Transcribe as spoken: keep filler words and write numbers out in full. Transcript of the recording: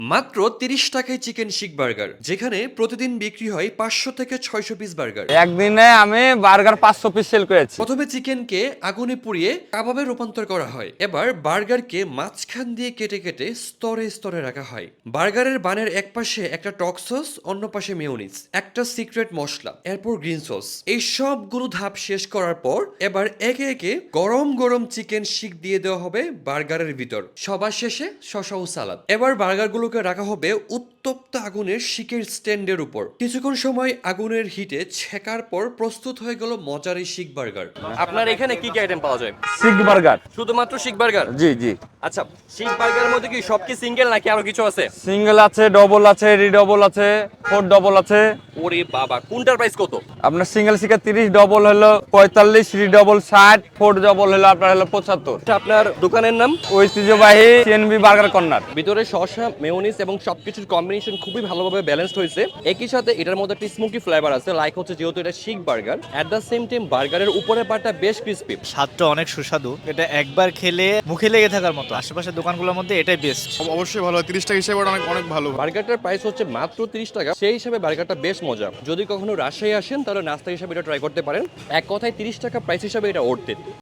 মাত্র তিরিশ টাকায় চিকেন শিক বার্গার, যেখানে প্রতিদিন বিক্রি হয় পাঁচশো থেকে ছয়শো পিস বার্গার। একদিনে আমি বার্গার পাঁচশো পিস সেল করেছি। প্রথমে চিকেনকে আগুনে পুড়িয়ে কাবাবে রূপান্তর করা হয়। এবার বার্গারকে মাঝখান দিয়ে কেটে কেটে স্তরে স্তরে রাখা হয়। বার্গারের বানের এক পাশে একটা টক সস, অন্য পাশে মেয়োনিজ, একটা সিক্রেট মশলা, এরপর গ্রিন সস। এই সবগুলো ধাপ শেষ করার পর এবার একে একে গরম গরম চিকেন শিক দিয়ে দেওয়া হবে বার্গারের ভিতর, সবার শেষে শসা ও সালাদ। এবার বার্গারগুলোকে রাখা হবে উত্তপ্ত আগুনের শিকের স্ট্যান্ডের উপর। কিছুক্ষণ সময় আগুনের হিটে ছেকার পর প্রস্তুত হয়ে গেল মজার এই শিক বার্গার। আপনার এখানে কি কি আইটেম পাওয়া যায়? শিক বার্গার। শুধুমাত্র শিক বার্গার? জি জি। আচ্ছা, শিক বার্গারের মধ্যে কি সব কি সিঙ্গেল নাকি আরো কিছু আছে? সিঙ্গেল আছে, ডবল আছে, রিডবল আছে, ফোর ডবল আছে। ওরে বাবা, কোনটার প্রাইস কত? আপনার সিঙ্গেল শিকার তিরিশ, ডবল হলো পঁয়তাল্লিশ, রিডবল ষাট, ফোর ডবল হলো আপনার হলো পঁচাত্তর। এটা আপনার দোকানের নাম? ঐতিহ্যবাহী সিএনবি বার্গার কর্নার। ভিতরে শসা, মেয়োনিজ এবং সবকিছুর কম্বিনেশন খুবই ভালোভাবে ব্যালেন্সড হয়েছে। একই সাথে এটার মধ্যে একটা স্মোকি ফ্লেভার আছে, লাইক হচ্ছে যেহেতু এটা seekh burger, at the same time বার্গারের উপরের পার্টটা বেশ ক্রিস্পি। স্বাদটা অনেক সুস্বাদু। এটা একবার খেলে মুখে লেগে থাকার মতো। আশেপাশের দোকানগুলোর মধ্যে এটাই বেস্ট। অবশ্যই ভালো, তিরিশ টাকা হিসেবে অনেক অনেক ভালো। বার্গারটার প্রাইস হচ্ছে মাত্র তিরিশ টাকা, সেই হিসাবে বার্গারটা বেশ মজা। যদি কখনো রাজশাহী আসেন তাহলে নাস্তা হিসাবে এটা ট্রাই করতে পারেন। এক কথায় তিরিশ টাকা প্রাইস হিসাবে এটা ওর্থ ইট।